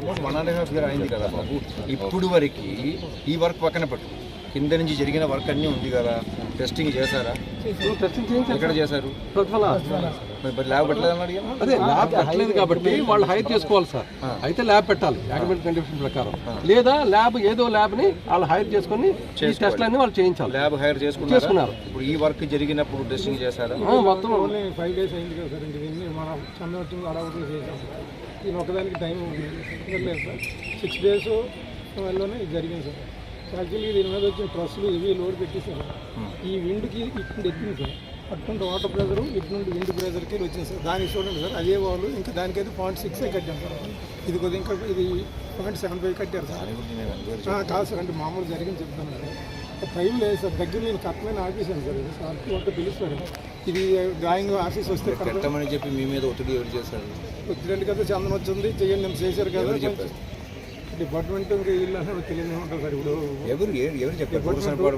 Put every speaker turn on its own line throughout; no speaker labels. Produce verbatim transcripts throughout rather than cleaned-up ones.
Almost one and half year అయింది కదా బాబు. ఇప్పుడు వరకు ఈ వర్క్ పక్కన పెట్టు, కింద నుంచి జరిగిన వర్క్ అన్నీ ఉంది కదా, టెస్టింగ్ చేశారా? ఎక్కడ చేశారు? మరి ల్యాబ్ పెట్టలేదని అడిగా.
అదే ల్యాబ్ పెట్టలేదు కాబట్టి వాళ్ళు హైర్ చేసుకోవాలి సార్. అయితే ల్యాబ్ పెట్టాలి యాక్మెంట్ కండిషన్ ప్రకారం, లేదా ల్యాబ్ ఏదో ల్యాబ్ ని వాళ్ళు హైర్ చేసుకుని టెస్ట్లన్నీ వాళ్ళు చేయించాలి.
ల్యాబ్ హైర్ చేసుకున్నారు. ఇప్పుడు ఈ వర్క్ జరిగినప్పుడు టెస్టింగ్ చేశారా?
మొత్తం ఓన్లీ ఫైవ్ డేస్ అయింది కదా సార్. ఇంక దీన్ని మనం చంద్రవచ్చింది అడవులు చేసాం సార్. దీని ఒకదానికి టైం లేదు సార్. సిక్స్ డేస్ వల్లనే ఇది జరిగింది సార్. యాక్చువల్లీ దీని మీద వచ్చిన ట్రస్సులు ఇవి లోడ్ పెట్టేసారు. ఈ విండ్కి ఇటు ఎక్కింది సార్. అటువంటి వాటర్ ప్రెజరు ఇటు నుండి విండ్ ప్రెజర్కి వచ్చింది సార్. దానికి చూడండి సార్, అదే వాళ్ళు ఇంకా దానికైతే పాయింట్ సిక్స్ కట్టాం సార్. ఇది కొద్దిగా ఇంకా ఇది పాయింట్ సెవెన్ ఫైవ్ కట్టారు సార్. కాదు సార్, అంటే మామూలు జరిగింది చెప్తాను సార్. టైం లేదు సార్. దగ్గర నేను కట్టమైన ఆఫీసాను సార్. ఇది సార్ అంటే పిలుస్తారు. ఇది డ్రాయింగ్ ఆఫీస్ వస్తే
కట్టమని చెప్పి మీ మీద ఒత్తిడి ఎవరు చేశారు?
ఒత్తిడి కదా, చందనం వచ్చింది చెయ్యండి నేను చేశారు కదా. డిపార్ట్మెంట్ వీళ్ళు అసలు తెలియదు ఉంటుంది సార్. ఇప్పుడు
ఎవరు ఎవరు చెప్పారు?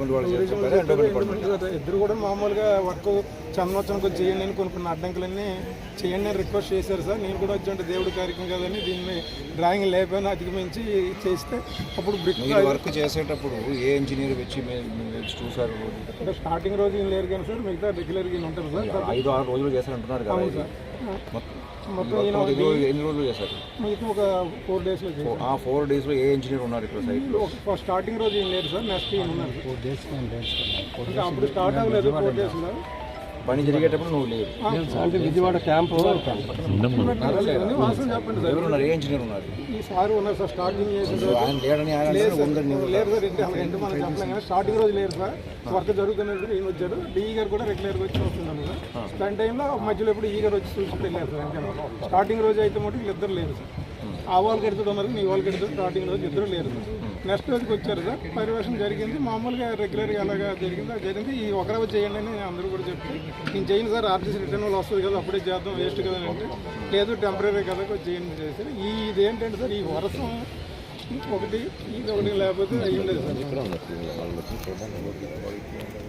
ఇద్దరు కూడా మామూలుగా వర్క్ చందనోత్సవానికి వచ్చి చేయండి అని కొన్ని కొన్ని అడ్డంకులన్నీ చేయండి అని రిక్వెస్ట్ చేశారు సార్. నేను కూడా వచ్చి అంటే దేవుడి కార్యక్రమం కదని దీన్ని డ్రాయింగ్ లేకపోయినా అధిగమించి చేస్తే అప్పుడు బ్రిక్
వర్క్ చేసేటప్పుడు ఏ ఇంజనీర్ వచ్చి చూసారు?
అంటే స్టార్టింగ్ రోజు ఏం లేరు కానీ సార్, మిగతా రెగ్యులర్గా ఉంటారు సార్.
ఐదు ఆరు రోజులు చేస్తారంటున్నారు కదా సార్. మొత్తం ఎన్ని రోజులు చేశారు?
మీకు ఒక ఫోర్ డేస్లో
ఆ ఫోర్ డేస్లో ఏ ఇంజనీర్ ఉన్నారు ఇక్కడ సైట్?
స్టార్టింగ్ రోజు ఏం లేదు సార్, నెక్స్ట్ ఏం ఉన్నారు ఫోర్ డేస్ అంటే అప్పుడు స్టార్ట్ అవ్వలేదు. ఫోర్ డేస్లో
పని జరిగేటప్పుడు నువ్వు లేదు
అంటే విజయవాడ క్యాంపు
వాసన చెప్పండి సార్.
ఎవరు ఉన్నారు? ఏ ఇంజనీర్ ఉన్నారు?
ఈ సార్ ఉన్నారు సార్. స్టార్టింగ్ చేసిన
ఆయన లేడని ఆయన
లేరు సార్. ఇంటి అంటే మనం చెప్పలేం కానీ స్టార్టింగ్ రోజు లేరు సార్. వర్క్ జరుగుతున్నప్పుడు ఈయన వచ్చారు. డిఈ గారు కూడా రెగ్యులర్గా వచ్చి వస్తున్నాను సార్. దాని టైంలో మధ్యలో ఎప్పుడు ఈ గారు వచ్చి చూసుకుంటూ వెళ్ళారు సార్. అంటే స్టార్టింగ్ రోజు అయితే మటు వీళ్ళిద్దరు లేరు సార్. ఆ వాళ్ళకి ఎడుతుడు ఉన్నారు, నీ వాళ్ళకి ఎడుతుడు. స్టార్టింగ్ రోజు ఇద్దరు లేరు సార్. నెక్స్ట్ రోజుకి వచ్చారు సార్. పర్యవేక్షణ జరిగింది మామూలుగా రెగ్యులర్గా ఎలాగా జరిగింది అది జరిగింది. ఈ ఒక రోజు చేయండి అని అందరూ కూడా చెప్తే నేను చేయను సార్, ఆర్టీసీ రిటర్న్ వాళ్ళు వస్తుంది కదా అప్పుడే చేద్దాం వేస్ట్ కదా అంటే లేదు టెంపరీ కదా చేయండి చేశారు. ఈ ఇదేంటంటే సార్, ఈ వర్షం ఒకటి ఇది ఒకటి లేకపోతే అయ్యి ఉండేది సార్.